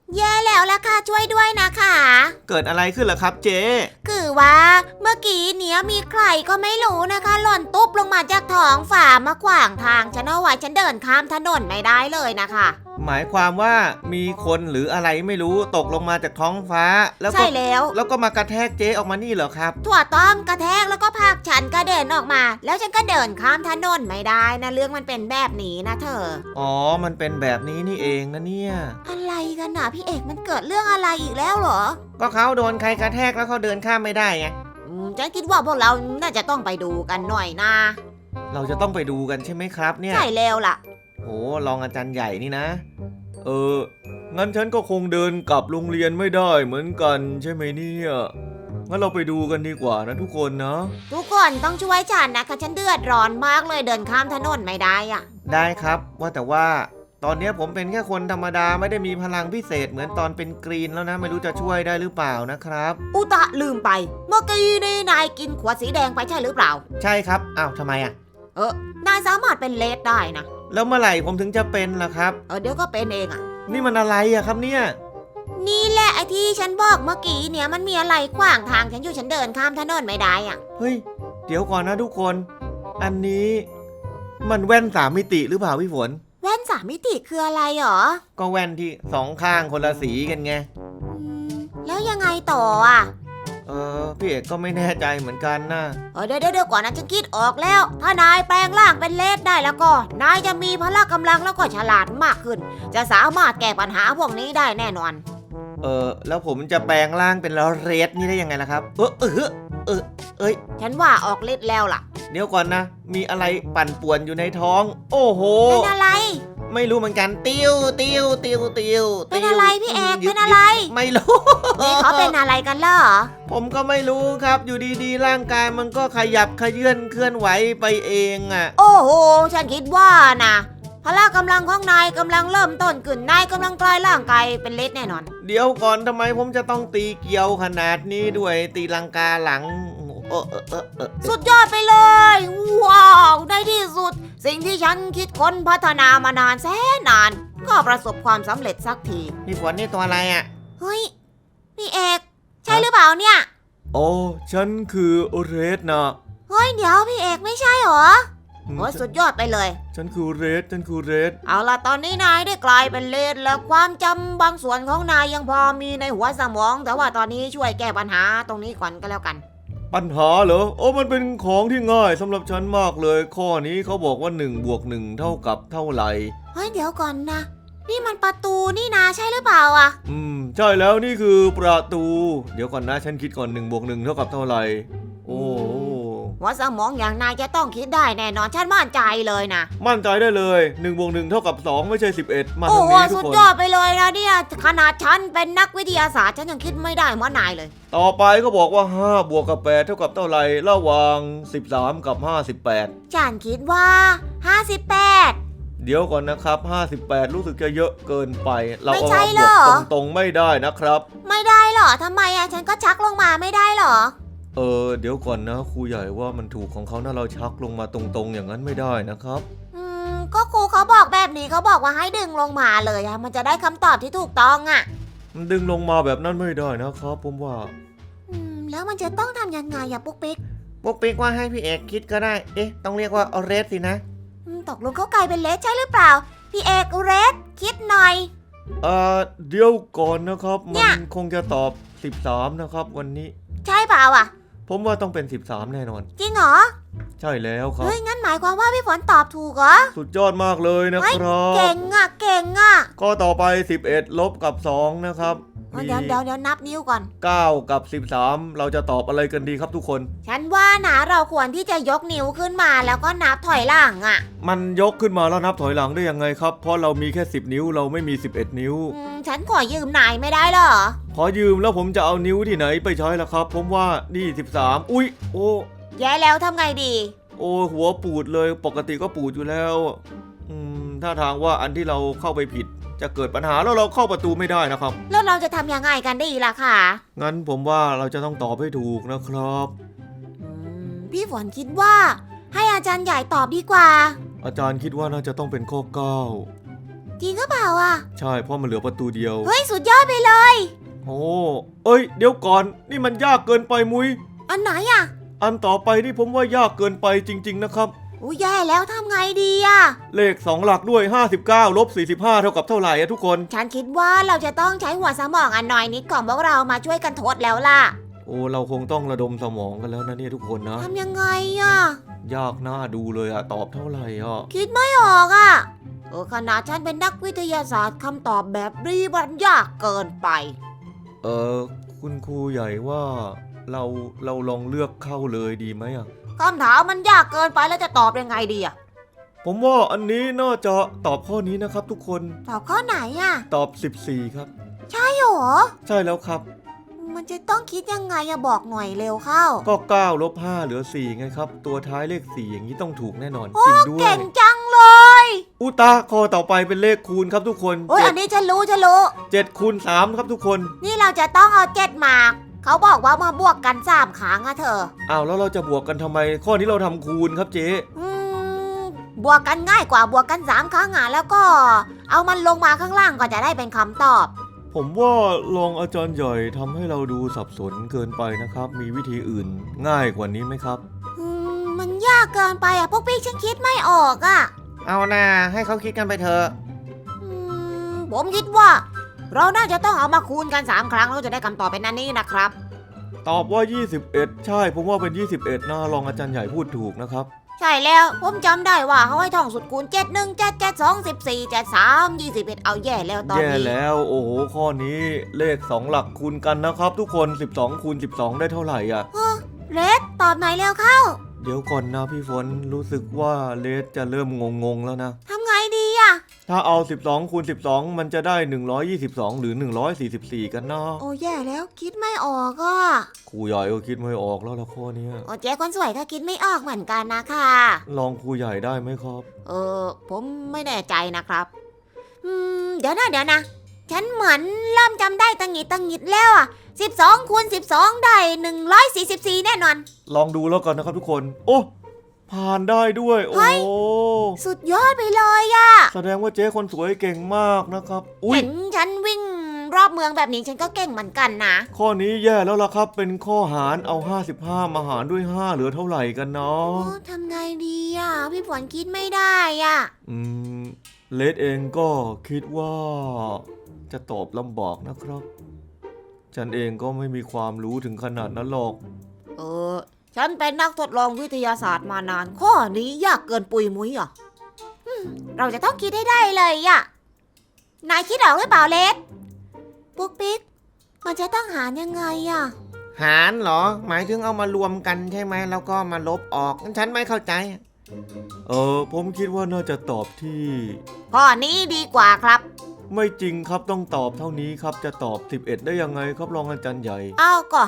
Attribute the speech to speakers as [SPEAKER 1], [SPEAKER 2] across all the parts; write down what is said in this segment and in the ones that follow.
[SPEAKER 1] แย่แล้วล่ะค่ะช่วยด้วยนะคะ
[SPEAKER 2] เกิดอะไรขึ้นล่ะครับเจ๊
[SPEAKER 1] คือว่าเมื่อกี้เนี้ยมีใครก็ไม่รู้นะคะหล่นตุ๊บลงมาจากท้องฝ่ามาขวางทางฉันเอาไว้ฉันเดินข้ามถนนไม่ได้เลยนะคะ
[SPEAKER 2] หมายความว่ามีคนหรืออะไรไม่รู้ตกลงมาจากท้องฟ้าแล้วก็
[SPEAKER 1] ใช่แล้ว
[SPEAKER 2] ก็มากระแทกเจ๊ออกมานี่เหรอครับ
[SPEAKER 1] ถั่วต้อมกระแทกแล้วก็พากฉันกระเด็นออกมาแล้วฉันก็เดินข้ามถนนไม่ได้นะเรื่องมันเป็นแบบนี้นะเธอ
[SPEAKER 2] อ๋อมันเป็นแบบนี้นี่เองนะเนี่ย
[SPEAKER 1] อะไรกันนะพี่เอกมันเกิดเรื่องอะไรอีกแล้วเหรอ
[SPEAKER 2] ก็เขาโดนใครกระแทกแล้วเขาเดินข้ามไม่ได้ไง
[SPEAKER 1] ฉันคิดว่าพวกเราน่าจะต้องไปดูกันหน่อยนะ
[SPEAKER 2] เราจะต้องไปดูกันใช่ไหมครับเนี่ย
[SPEAKER 1] ใช่แล้วล่ะ
[SPEAKER 2] โอ้รองอาจารย์ใหญ่นี่นะงั้นฉันก็คงเดินกลับโรงเรียนไม่ได้เหมือนกันใช่ไหมเนี่ยงั้นเราไปดูกันดีกว่านะทุกคนนะ
[SPEAKER 1] ทุกคนต้องช่วยฉันนะคะฉันเดือดร้อนมากเลยเดินข้ามถนนไม่ได้อะ
[SPEAKER 2] ได้ครับว่าแต่ว่าตอนนี้ผมเป็นแค่คนธรรมดาไม่ได้มีพลังพิเศษเหมือนตอนเป็นกรีนแล้วนะไม่รู้จะช่วยได้หรือเปล่านะครับ
[SPEAKER 1] อุตะลืมไปเมื่อกี้นี่นายกินขวดสีแดงไปใช่หรือเปล่า
[SPEAKER 2] ใช่ครับอ้าวทำไมอ่ะ
[SPEAKER 1] นายสามารถเป็นเลดได้นะ
[SPEAKER 2] แล้วเมื่อไหร่ผมถึงจะเป็นล่ะครับ
[SPEAKER 1] เดี๋ยวก็เป็นเองอ่ะ
[SPEAKER 2] นี่มันอะไรอะครับเนี่ย
[SPEAKER 1] นี่แหละไอ้ที่ฉันบอกเมื่อกี้เนี่ยมันมีอะไรขวางทางฉันอยู่ฉันเดินข้ามถนนไม่ได้อ่ะ
[SPEAKER 2] เฮ้ยเดี๋ยวก่อนนะทุกคนอันนี้มันแว่น3 มิติหรือเปล่าพี่ฝน
[SPEAKER 1] แว่น3 มิติคืออะไรหรอ
[SPEAKER 2] ก็แว่นที่2ข้างคนละสีกันไง
[SPEAKER 1] แล้วยังไงต่ออ่ะ
[SPEAKER 2] พี่เอกก็ไม่แน่ใจเหมือนกันนะ
[SPEAKER 1] เดี๋ยวก่อนนะฉันคิดออกแล้วถ้านายแปลงร่างเป็นเลดได้แล้วก็นายจะมีพละกำลังแล้วก็ฉลาดมากขึ้นจะสามารถแก้ปัญหาพวกนี้ได้แน่นอน
[SPEAKER 2] แล้วผมจะแปลงร่างเป็นเรดนี่ได้ยังไงล่ะครับ
[SPEAKER 1] ฉันว่าออกฤทธิ์แล้วล่ะ
[SPEAKER 2] เดี๋ยวก่อนนะมีอะไรปั่นป่วนอยู่ในท้องโอ้โห
[SPEAKER 1] เป็นอะไร
[SPEAKER 2] ไม่รู้เหมือนกันติ้ว
[SPEAKER 1] เป็นอะไรพี่เอกเป็นอะไร
[SPEAKER 2] ไม่รู้
[SPEAKER 1] นี่เขาเป็นอะไรกันเหรอ
[SPEAKER 2] ผมก็ไม่รู้ครับอยู่ดีๆร่างกายมันก็ขยับเขยื่อนเคลื่อนไหวไปเองอ่ะ
[SPEAKER 1] โอ้โหฉันคิดว่านะพละกำลังของนายกำลังเริ่มต้นขึ้นนายกำลังกลายร่างกายเป็นเลดแน่นอน
[SPEAKER 2] เดี๋ยวก่อนทำไมผมจะต้องตีเกลียวขนาดนี้ด้วยตีลังกาหลัง
[SPEAKER 1] สุดยอดไปเลยว้าวในที่สุดสิ่งที่ฉันคิดค้นพัฒนามานานแสนนานก็ประสบความสำเร็จสักที
[SPEAKER 2] พี่ฝนนี่ตัวอะไรอ่ะ
[SPEAKER 1] เฮ้ยพี่เอกใช่หรือเปล่าเนี่ย
[SPEAKER 2] โอ้ฉันคือเรดนะ
[SPEAKER 1] เฮ้ยเดี๋ยวพี่เอกไม่ใช่หรอโอ้สุดยอดไปเลย
[SPEAKER 2] ฉันคือเรด
[SPEAKER 1] เอาล่ะตอนนี้นายได้กลายเป็นเลดแล้วความจำบางส่วนของนายยังพอมีในหัวสมองแต่ว่าตอนนี้ช่วยแก้ปัญหาตรงนี้ก่อนก็แล้วกัน
[SPEAKER 2] ปัญหาเหรอโอ้มันเป็นของที่ง่ายสำหรับฉันมากเลยข้อนี้เขาบอกว่า1 บวก 1เท่ากับเท่าไหร่
[SPEAKER 1] เฮ้ยเดี๋ยวก่อนนะนี่มันประตูนี่นาใช่หรือเปล่าอ่ะ
[SPEAKER 2] ใช่แล้วนี่คือประตูเดี๋ยวก่อนนะฉันคิดก่อน1 บวก 1เท่ากับเท่าไหร่โอ้
[SPEAKER 1] หัวสมองอย่างนายจะต้องคิดได้แน่นอนฉันมั่นใจเลยนะ
[SPEAKER 2] มั่นใจได้เลย1 บวก 1เท่ากับ2ไม่ใช่11มาตรงนี้ทุกคน
[SPEAKER 1] โอ้โหสุดยอดไปเลยนะเนี่ยขนาดฉันเป็นนักวิทยาศาสตร์ฉันยังคิดไม่ได้เหมือนนายเลย
[SPEAKER 2] ต่อไปก็บอกว่า5 บวก กับ 8เท่ากับเท่าไหร่ระหว่าง13กับ58
[SPEAKER 1] ฉันคิดว่า58
[SPEAKER 2] เดี๋ยวก่อนนะครับ58รู้สึกจะเยอะเกินไปเรา
[SPEAKER 1] เอา
[SPEAKER 2] บวกตรงๆไม่ได้นะครับ
[SPEAKER 1] ไม่ได้หรอทำไมอะฉันก็ชักลงมาไม่ได้หรอ
[SPEAKER 2] เดี๋ยวก่อนนะครูใหญ่ว่ามันถูกของเขานะเราชักลงมาตรงๆอย่างนั้นไม่ได้นะครับ
[SPEAKER 1] ก็ครูเขาบอกแบบนี้เขาบอกว่าให้ดึงลงมาเลยอะมันจะได้คำตอบที่ถูกต้องอะ
[SPEAKER 2] ดึงลงมาแบบนั้นไม่ได้นะครับผมว่า
[SPEAKER 1] แล้วมันจะต้องทำยังไงอะปุ๊กปิ๊ก
[SPEAKER 2] ว่าให้พี่เอกคิดก็ได้ต้องเรียกว่าเรดสินะ
[SPEAKER 1] ตกลงเขากลายเป็นเลดใช่หรือเปล่าพี่เอกเรดคิดหน่อย
[SPEAKER 2] เดี๋ยวก่อนนะครับมันคงจะตอบ13นะครับวันนี้
[SPEAKER 1] ใช่เปล่าอ่ะ
[SPEAKER 2] ผมว่าต้องเป็น13แน่นอน
[SPEAKER 1] จริงเหรอ
[SPEAKER 2] ใช่แล้วครับ
[SPEAKER 1] เฮ้ยงั้นหมายความว่าพี่ฝนตอบถูกเหรอ
[SPEAKER 2] สุดยอดมากเลยนะครับ
[SPEAKER 1] เก่งอ่ะ
[SPEAKER 2] ก็ต่อไป11ลบกับ2นะครับ
[SPEAKER 1] เดี๋ยวนับนิ้วก่อน
[SPEAKER 2] 9กับ13เราจะตอบอะไรกันดีครับทุกคน
[SPEAKER 1] ฉันว่านะเราควรที่จะยกนิ้วขึ้นมาแล้วก็นับถอยหลังอ่ะ
[SPEAKER 2] มันยกขึ้นมาแล้วนับถอยหลังได้ยังไงครับเพราะเรามีแค่10นิ้วเราไม่มี11นิ้ว
[SPEAKER 1] ฉันขอยืมนายไม่ได้หรอ
[SPEAKER 2] ขอยืมแล้วผมจะเอานิ้วที่ไหนไปใช้ล่ะครับผมว่านี่13อุ๊ยโอ้
[SPEAKER 1] แย่แล้วทำไงดี
[SPEAKER 2] โอ้หัวปูดเลยปกติก็ปูดอยู่แล้วถ้าทางว่าอันที่เราเข้าไปผิดจะเกิดปัญหาแล้วเราเข้าประตูไม่ได้นะครับ
[SPEAKER 1] แล้วเราจะทำยังไงกันดีล่ะค่ะ
[SPEAKER 2] งั้นผมว่าเราจะต้องตอบให้ถูกนะครับ
[SPEAKER 1] พี่ฝนคิดว่าให้อาจารย์ใหญ่ตอบดีกว่า
[SPEAKER 2] อาจารย์คิดว่าน่าจะต้องเป็นข้อ9
[SPEAKER 1] จริงก็เปล่าอ่ะ
[SPEAKER 2] ใช่เพราะมันเหลือประตูเดียว
[SPEAKER 1] เฮ้ยสุดยอดไปเลย
[SPEAKER 2] โอ้เอ้ยเดี๋ยวก่อนนี่มันยากเกินไปมุ้ย
[SPEAKER 1] อันไหนอ่ะ
[SPEAKER 2] อันต่อไปนี่ผมว่ายากเกินไปจริงๆนะครับ
[SPEAKER 1] อู้แย่แล้วทำไงดีอ่ะ
[SPEAKER 2] เลข2หลักด้วย59ลบ45เท่ากับเท่าไหร่อะทุกคน
[SPEAKER 1] ฉันคิดว่าเราจะต้องใช้หัวสมองอันหน่อยนิดของพวกเรามาช่วยกันทดแล้วล่ะ
[SPEAKER 2] โอ้เราคงต้องระดมสมองกันแล้วนะเนี่ยทุกคนนะ
[SPEAKER 1] ทำยังไงอ่ะ
[SPEAKER 2] ยากน่าดูเลยอะตอบเท่าไหร่อะ
[SPEAKER 1] คิดไม่ออกอ่ะขนาดฉันเป็นนักวิทยาศาสตร์คำตอบแบบรีบันยากเกินไป
[SPEAKER 2] คุณครูใหญ่ว่าเราลองเลือกเข้าเลยดีไหมอะ
[SPEAKER 1] คำถามมันยากเกินไปแล้วจะตอบยังไงดีอ่ะ
[SPEAKER 2] ผมว่าอันนี้น่าจะตอบข้อนี้นะครับทุกคน
[SPEAKER 1] ตอบข้อไหนอ่ะ
[SPEAKER 2] ตอบ14ครับ
[SPEAKER 1] ใช่หรอ
[SPEAKER 2] ใช่แล้วครับ
[SPEAKER 1] มันจะต้องคิดยังไงอะบอกหน่อยเร็วเข้า
[SPEAKER 2] ก็9ลบ5เหลือ4ไงครับตัวท้ายเลข4อย่างนี้ต้องถูกแน่นอน
[SPEAKER 1] โอ้
[SPEAKER 2] จริงด้วย
[SPEAKER 1] เก่งจังเลย
[SPEAKER 2] อุตาข้อต่อไปเป็นเลขคูณครับทุกคน
[SPEAKER 1] โอ้ยอันนี้ฉันรู้
[SPEAKER 2] 7คูณ3ครับทุกคน
[SPEAKER 1] นี่เราจะต้องเอา7มาเขาบอกว่ามาบวกกัน3ครั้งอะเธอ
[SPEAKER 2] อ้าวแล้วเราจะบวกกันทำไมข้อนี้เราทำคูณครับเจ๊
[SPEAKER 1] บวกกันง่ายกว่าบวกกัน3ครั้งอะแล้วก็เอามันลงมาข้างล่างก็จะได้เป็นคำตอบ
[SPEAKER 2] ผมว่ารองอาจารย์ใหญ่ทำให้เราดูสับสนเกินไปนะครับ มีวิธีอื่นง่ายกว่านี้ไหมครับ
[SPEAKER 1] มันยากเกินไปอะพวกพี่ฉันคิดไม่ออกอะ
[SPEAKER 2] เอาหน้าให้เขาคิดกันไปเถอะ
[SPEAKER 1] ผมคิดว่า เราน่าจะต้องเอามาคูณกัน3ครั้งแล้วจะได้คำตอบเป็นอันนี้นะครับ
[SPEAKER 2] ตอบว่า21ใช่ผมว่าเป็น21นะรองอาจารย์ใหญ่พูดถูกนะครับ
[SPEAKER 1] ใช่แล้วผมจำได้ว่าเขาให้ท่องสุดคูณ7 1 7 7 2 14 7 3 21เอาแย่แล้วตอน
[SPEAKER 2] แย่
[SPEAKER 1] นี้
[SPEAKER 2] แล้วโอ้โหข้อนี้เลข2หลักคูณกันนะครับทุกคน12คูณ12ได้เท่าไหร่อ่ะ
[SPEAKER 1] เรดตอบหน่อยเร็วเข้า
[SPEAKER 2] เดี๋ยวก่อนนะพี่ฝนรู้สึกว่าเลสจะเริ่มงงๆแล้วนะ
[SPEAKER 1] ทำไงดีอะ
[SPEAKER 2] ถ้าเอา12คูณ12มันจะได้122หรือ144กันนะ
[SPEAKER 1] โอ้แย่แล้วคิดไม่ออกอะ
[SPEAKER 2] ครูใหญ่ก็คิดไม่ออกแล้วละข้อเนี้ย
[SPEAKER 1] โอ้เจ๊คนสวยก็คิดไม่ออกเหมือนกันนะคะ
[SPEAKER 2] ลองครูใหญ่ได้ไหมครับ
[SPEAKER 1] ผมไม่แน่ใจนะครับเดี๋ยวนะฉันเหมือนเริ่มจำได้ตังหิดแล้วอะ12คูณ12ได้144แน่นอน
[SPEAKER 2] ลองดูแล้วกันนะครับทุกคน โอ้ผ่านได้ด้วยโอ้
[SPEAKER 1] เฮ้ย สุดยอดไปเลยอะ
[SPEAKER 2] แสดงว่าเจ๊คนสวยเก่งมากนะครับอุ้ย
[SPEAKER 1] เห็นฉันวิ่งรอบเมืองแบบนี้ฉันก็เก่งเหมือนกันนะ
[SPEAKER 2] ข้อนี้แย่แล้วล่ะครับเป็นข้อหารเอา55มาหารด้วย5เหลือเท่าไหร่กันเนาะ
[SPEAKER 1] ทำไงดีอะพี่ฝนคิดไม่ได้อะ
[SPEAKER 2] เลดเองก็คิดว่าจะตอบลำบากนะครับ ฉันเองก็ไม่มีความรู้ถึงขนาดนั้นหรอก
[SPEAKER 1] ฉันเป็นนักทดลองวิทยาศาสตร์มานานข้อนี้ยากเกินปุยมุ้ยอ่ะเราจะต้องคิดให้ได้เลยอะนายคิดออกหรือเปล่าเลสปุ๊กปิ๊กมันจะต้องหารยังไงอะ
[SPEAKER 3] หารเหรอหมายถึงเอามารวมกันใช่ไหมแล้วก็มาลบออกฉันไม่เข้าใจ
[SPEAKER 2] ผมคิดว่าน่าจะตอบที่
[SPEAKER 1] ข้อนี้ดีกว่าครับ
[SPEAKER 2] ไม่จริงครับต้องตอบเท่านี้ครับจะตอบ11ได้ยังไงครับรองอาจารย์ใหญ่
[SPEAKER 1] เอาก็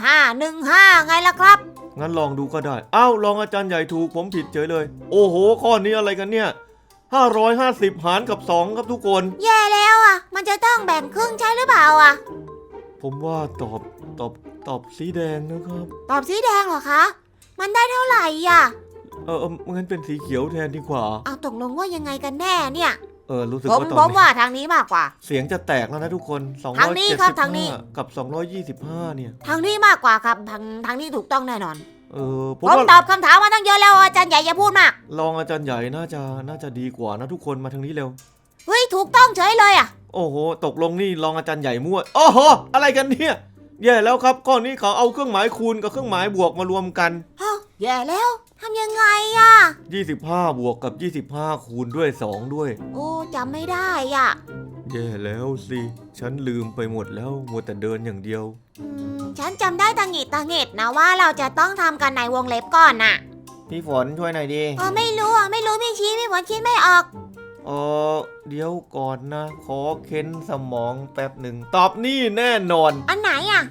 [SPEAKER 1] 515ไงล่ะครับ
[SPEAKER 2] งั้นลองดูก็ได้อ้าวรองอาจารย์ใหญ่ถูกผมผิดเฉยเลย โอ้โหข้อนี้อะไรกันเนี่ย550หารกับ2ครับทุกคน
[SPEAKER 1] แย่แล้วอะมันจะต้องแบ่งครึ่งใช่หรือเปล่าอะ
[SPEAKER 2] ผมว่าตอบสีแดงนะครับ
[SPEAKER 1] ตอบสีแดงเหรอคะ มันได้เท่าไหร่อะ
[SPEAKER 2] งั้นเป็นสีเขียวแทนดีกว่า
[SPEAKER 1] เอาตกลงว่ายังไงกันแน่เนี่ย
[SPEAKER 2] รู้สึก
[SPEAKER 1] ผม
[SPEAKER 2] ว่าต
[SPEAKER 1] ผ
[SPEAKER 2] อน
[SPEAKER 1] ม
[SPEAKER 2] นี้
[SPEAKER 1] ว่าทางนี้มากกว่า
[SPEAKER 2] เสียงจะแตกแล้วนะทุกคน
[SPEAKER 1] ทางนี้ครับทางนี้
[SPEAKER 2] 275กับ225เนี่ย
[SPEAKER 1] ทางนี้มากกว่าครับทางนี้ถูกต้องแน่นอน
[SPEAKER 2] ผม
[SPEAKER 1] ผม
[SPEAKER 2] ว่า
[SPEAKER 1] ตอบคำถามมาตั้งเยอะแล้วอาจารย์ใหญ่อย่าพูดมาก
[SPEAKER 2] รองอาจารย์ใหญ่น่าจะดีกว่านะทุกคนมาทางนี้เร็ว
[SPEAKER 1] เฮ้ยถูกต้องเฉยเลยอะ
[SPEAKER 2] โอ้โหตกลงนี่รองอาจารย์ใหญ่มั่วโอ้โหอะไรกันเนี่ยแย่แล้วครับข้อนี้เขาเอาเครื่องหมายคูณกับเครื่องหมายบวกมารวมกัน
[SPEAKER 1] แย่แล้วทำยังไงอะ
[SPEAKER 2] 25บวกกับ25คูณด้วย2ด้วย
[SPEAKER 1] โอ้จำไม่ได้อะ
[SPEAKER 2] แย่แล้วสิฉันลืมไปหมดแล้วมัวแต่เดินอย่างเดียว
[SPEAKER 1] ฉันจำได้ตังหงิดนะว่าเราจะต้องทำกันในวงเล็บก่อนน่ะ
[SPEAKER 3] พี่ฝนช่วยหน่อยดิ
[SPEAKER 1] ไม่รู้พี่ชี้พี่ฝนคิดไม่ออก
[SPEAKER 2] เดี๋ยวก่อนนะขอเค้นสมองแป๊บหนึ่งตอบนี่แน่นอน
[SPEAKER 1] อันไหนอะ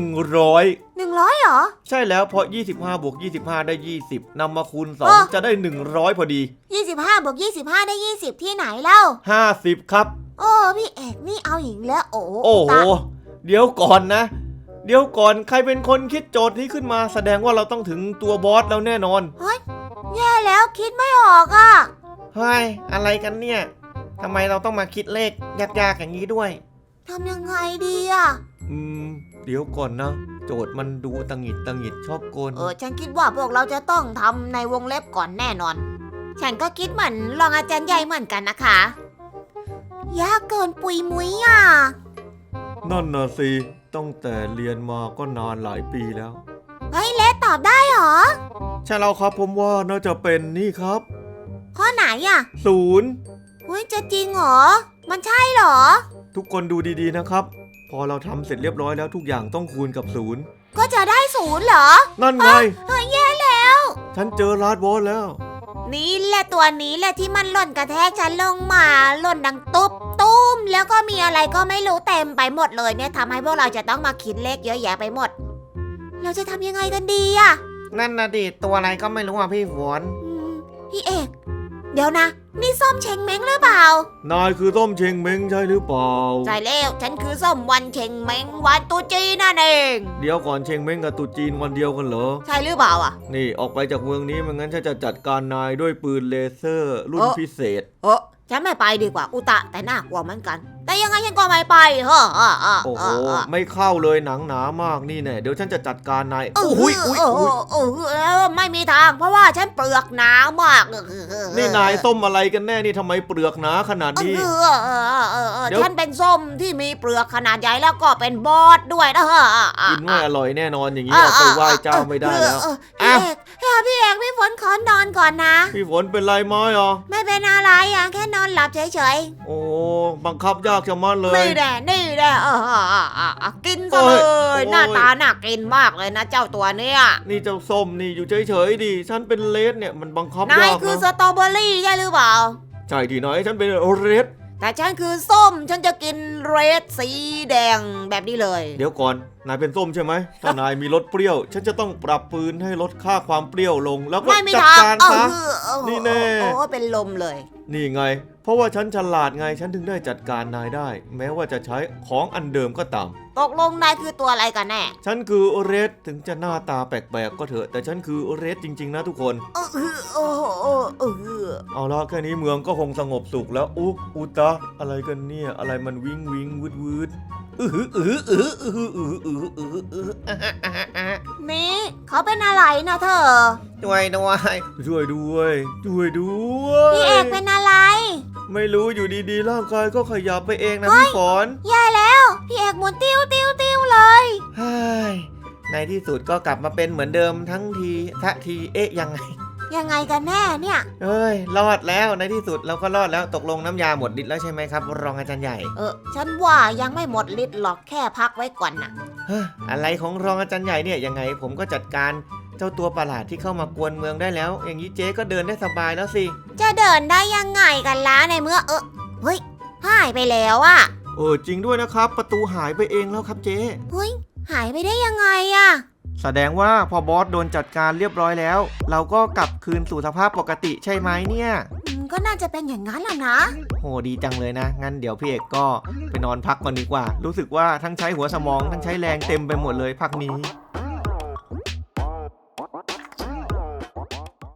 [SPEAKER 2] 100
[SPEAKER 1] 100เหรอ
[SPEAKER 2] ใช่แล้วเพราะ25บวก25ได้20นำมาคูณ
[SPEAKER 1] อ๋อ
[SPEAKER 2] 2จะได้100พอดี
[SPEAKER 1] 25บวก25ได้20ที่ไหนเล่า
[SPEAKER 2] 50ครับ
[SPEAKER 1] โอ้พี่เอกนี่เอาอีกแล้วโอ้
[SPEAKER 2] โอ้โห
[SPEAKER 1] ตา
[SPEAKER 2] เดี๋ยวก่อนนะ เดี๋ยวก่อนใครเป็นคนคิดโจทย์นี้ขึ้นมาแสดงว่าเราต้องถึงตัวบอสแล้วแน่นอน
[SPEAKER 1] แย่แล้วคิดไม่ออกอะ
[SPEAKER 3] เฮ้ยอะไรกันเนี่ยทำไมเราต้องมาคิดเลขยากๆอย่างนี้ด้วย
[SPEAKER 1] ทำยังไงดีอะ
[SPEAKER 2] อืม เดี๋ยวก่อนนะ โจทย์มันดูตังหิดชอบกล
[SPEAKER 1] ฉันคิดว่าพวกเราจะต้องทำในวงเล็บก่อนแน่นอน ฉันก็คิดเหมือนรองอาจารย์ใหญ่เหมือนกันนะคะ ยากเกินปุยมุ้ยอ่ะ
[SPEAKER 2] นั่นนะสิตั้งแต่เรียนมาก็นานหลายปีแล้ว
[SPEAKER 1] เฮ้ยเลสตอบได้เหรอ
[SPEAKER 2] ใช่แล้วครับผมว่าน่าจะเป็นนี่ครับ
[SPEAKER 1] ข้อไหนอ่ะ
[SPEAKER 2] 0
[SPEAKER 1] เฮ้ยจะจริงเหรอ มันใช่เหรอ
[SPEAKER 2] ทุกคนดูดีๆนะครับ พอเราทำเสร็จเรียบร้อยแล้วทุกอย่างต้องคูณกับ0
[SPEAKER 1] ก็จะได้0เหรอ
[SPEAKER 2] นั่นไง
[SPEAKER 1] เฮ้ยแย่แล้ว
[SPEAKER 2] ฉันเจอลาดบอสแล้ว
[SPEAKER 1] นี่แหละตัวนี้แหละที่มันหล่นกระแทกฉันลงมาหล่นดังตุ๊บตุ้มแล้วก็มีอะไรก็ไม่รู้เต็มไปหมดเลยเนี่ยทำให้พวกเราจะต้องมาคิดเลขเยอะแยะไปหมด เราจะทำยังไงกันดีอะ
[SPEAKER 3] นั่นนะดิตัวอะไรก็ไม่รู้อ่ะพี่ฝน
[SPEAKER 1] พี่เอก เดี๋ยวนะ นี่ส้มเชงเม้งหรือเปล่า
[SPEAKER 2] นายคือส้มเชงเม้งใช่หรือเปล่า
[SPEAKER 1] ใช่แล้วฉันคือส้มวันเชงเม้งวันตุจีนนั่นเอง
[SPEAKER 2] เดี๋ยวก่อนเชงเม้งกับตรุษจีนวันเดียวกันเหรอ
[SPEAKER 1] ใช่หรือเปล่าอ่ะ
[SPEAKER 2] นี่ออกไปจากเมืองนี้ไม่งั้นฉันจะจัดการนายด้วยปืนเลเซอร์รุ่นพิเศษ
[SPEAKER 1] ฉันไม่ไปดีกว่าอุตะแต่น่ากลัวเหมือนกัน แต่ยังไงฉันก็ไม่ไปเฮ้อ
[SPEAKER 2] โอ้โห ไม่เข้าเลยหนังหนามากนี่แน่เดี๋ยวฉันจะจัดการนาย
[SPEAKER 1] โอ้
[SPEAKER 2] โอ้
[SPEAKER 1] ย
[SPEAKER 2] ย
[SPEAKER 1] โอ้
[SPEAKER 2] โอ้ย
[SPEAKER 1] ย
[SPEAKER 2] โอ้ย
[SPEAKER 1] ไม่มีทางเพราะว่าฉันเปลือกหนามาก
[SPEAKER 2] นี่นายส้มอะไรกันแน่นี่ทำไมเปลือกหนาขนาดนี้ เดี๋ยว
[SPEAKER 1] ฉันเป็นส้มที่มีเปลือกขนาดใหญ่แล้วก็เป็นบอสด้วยนะ
[SPEAKER 2] กินไม่อร่อยแน่นอนอย่างนี้เอาไปไหว้เจ้าไม่ได้แล้ว
[SPEAKER 1] พี่เอกพี่ฝนขอนอนก่อนนะ
[SPEAKER 2] พี่ฝนเป็นไรไหมอ่ะ
[SPEAKER 1] ไม่เป็นอะไรอ่ะแค่นอนหลับเฉย
[SPEAKER 2] โอ้บังคับยากชะมัดเล
[SPEAKER 1] ๆ
[SPEAKER 2] ย
[SPEAKER 1] นี่แหละกินซะเล
[SPEAKER 2] โอ้
[SPEAKER 1] ย
[SPEAKER 2] ย
[SPEAKER 1] หน้าตาน่ากินมากเลยนะเจ้าตัวเนี้ย
[SPEAKER 2] นี่เจ้าส้มนี่อยู่เฉยๆดิฉันเป็นเลดเนี่ยมันบังคับ
[SPEAKER 1] นาย
[SPEAKER 2] ยาก
[SPEAKER 1] คือส
[SPEAKER 2] นะ
[SPEAKER 1] ตรอเบอรี่ใช่หรือเปล่า
[SPEAKER 2] ใช่ที่ไหนฉันเป็นเรด
[SPEAKER 1] แต่ฉันคือส้มฉันจะกินเรดสีแดงแบบนี้เลย
[SPEAKER 2] เดี๋ยวก่อนนายเป็นส้มใช่ไหมถ้านายมีรสเปรี้ยว ฉันจะต้องปรับปืนให้ลดค่าความเปรี้ยวลง แล้วก็
[SPEAKER 1] ไม่มี
[SPEAKER 2] จัด
[SPEAKER 1] ทาง
[SPEAKER 2] การซะ นี่แน่
[SPEAKER 1] โอ้เป็นลมเลย
[SPEAKER 2] นี่ไง เพราะว่าฉันฉลาดไงฉันถึงได้จัดการนายได้ แม้ว่าจะใช้ของอันเดิมก็ตาม
[SPEAKER 1] ตกลงนายคือตัวอะไรกันแน่
[SPEAKER 2] ฉันคือเรดถึงจะหน้าตาแปลกๆก็เถอะแต่ฉันคือเรดจริงๆนะทุกคน เอาละแค่นี้เมืองก็คงสงบสุขแล้วอุตะอะไรกันเนี่ยอะไรมันวิงวืด
[SPEAKER 1] นี่เขาเป็นอะไรนะเธอ
[SPEAKER 3] ด้วย
[SPEAKER 2] ช่วยด้วย
[SPEAKER 1] พี่เอกเป็นอะไร
[SPEAKER 2] ไม่รู้อยู่ดีๆร่างกายก็ขยับไปเองนะพี่ฝน
[SPEAKER 1] แย่แล้ว พี่เอกหมุนติ้วเลย
[SPEAKER 3] เฮ้ยในที่สุดก็กลับมาเป็นเหมือนเดิมทั้งทีสักทียังไง
[SPEAKER 1] ยังไงกันแน่เนี่ย
[SPEAKER 3] เอ้ยรอดแล้วในที่สุดเราก็รอดแล้วตกลงน้ำยาหมดฤทธิ์แล้วใช่ไหมครับ รองอาจารย์ใหญ่
[SPEAKER 1] ฉันว่ายังไม่หมดฤทธิ์หรอกแค่พักไว้ก่อนนะ
[SPEAKER 3] เฮ้ยอะไรของรองอาจารย์ใหญ่เนี่ยยังไงผมก็จัดการเจ้าตัวประหลาดที่เข้ามากวนเมืองได้แล้ว อย่างนี้เจ๊ก็เดินได้สบายแล้วสิ
[SPEAKER 1] จะเดินได้ยังไงกันล่ะในเมื่อเฮ้ยหายไปแล้วอะ
[SPEAKER 2] จริงด้วยนะครับ ประตูหายไปเองแล้วครับเจ๊
[SPEAKER 1] เฮ้ยหายไปได้ยังไงอะ
[SPEAKER 3] แสดงว่าพอบอสโดนจัดการเรียบร้อยแล้ว เราก็กลับคืนสู่สภาพปกติใช่ไหมเนี่ย
[SPEAKER 1] ก็น่าจะเป็นอย่างนั้นแหละนะ
[SPEAKER 3] โหดีจังเลยนะ งั้นเดี๋ยวพี่เอกก็ไปนอนพักก่อนดีกว่า รู้สึกว่าทั้งใช้หัวสมองทั้งใช้แรงเต็มไปหมดเลยพักนี้